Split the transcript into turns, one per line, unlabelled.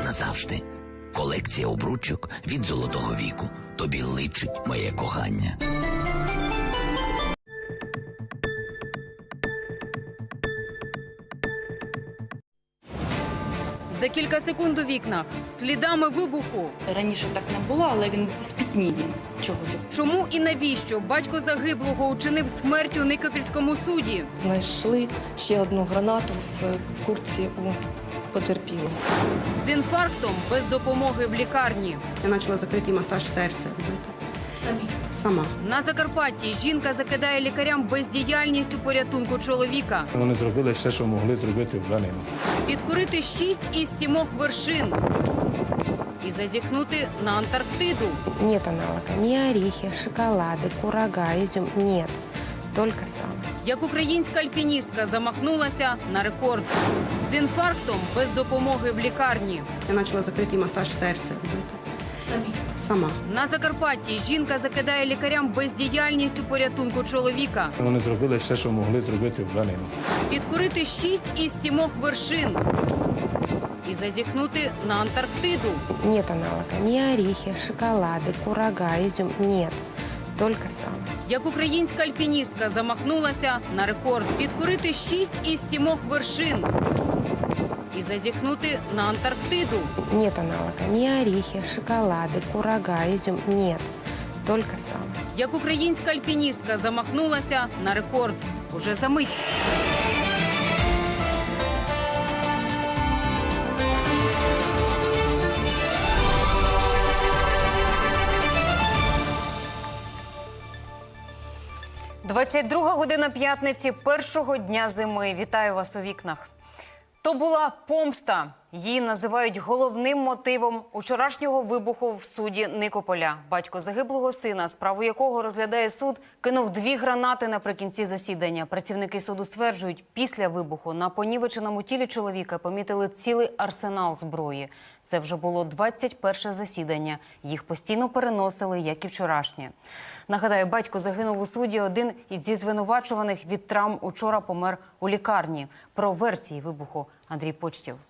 назавжди. Колекція обручок від золотого віку. Тобі личить моє кохання.
За кілька секунд у вікнах. Слідами вибуху.
Раніше так не було, але він спітнів він чогось.
Чому і навіщо батько загиблого учинив смерть у Никопільському суді?
Знайшли ще одну гранату в куртці у потерпілого.
З інфарктом без допомоги в лікарні.
Я почала закритий масаж серця робити. Сама.
На Закарпатті жінка закидає лікарям бездіяльність у порятунку чоловіка.
Вони зробили все, що могли зробити в даний момент.
Підкорити 6 із 7 вершин. І зазіхнути на Антарктиду.
Нет аналога. Ни орехи, шоколады, курага, изюм. Нет. Только сало.
Як українська альпіністка замахнулася на рекорд. З інфарктом без допомоги в лікарні.
Я почала закритий масаж серця робити. Сама.
На Закарпатті жінка закидає лікарям бездіяльність у порятунку чоловіка.
Вони зробили все, що могли зробити в даний момент.
Підкорити 6 із 7 вершин. І зазіхнути на Антарктиду.
Нет аналога. Ни орехи, шоколады, курага, изюм. Нет. Только сало.
Як українська альпіністка замахнулася на рекорд. Підкорити 6 із 7 вершин. І зазіхнути на Антарктиду.
Нет аналога. Ни орехи, шоколады, курага, изюм. Нет. Только сало.
Як українська альпіністка замахнулася на рекорд. Уже за мить. – 22 година п'ятниці першого дня зими. Вітаю вас у вікнах. То була помста. Її називають головним мотивом учорашнього вибуху в суді Никополя. Батько загиблого сина, справу якого розглядає суд, кинув 2 гранати наприкінці засідання. Працівники суду стверджують, після вибуху на понівеченому тілі чоловіка помітили цілий арсенал зброї. Це вже було 21-ше засідання. Їх постійно переносили, як і вчорашнє. Нагадаю, батько загинув у суді. Один із звинувачуваних від травм учора помер у лікарні. Про версії вибуху Андрій Почтєв.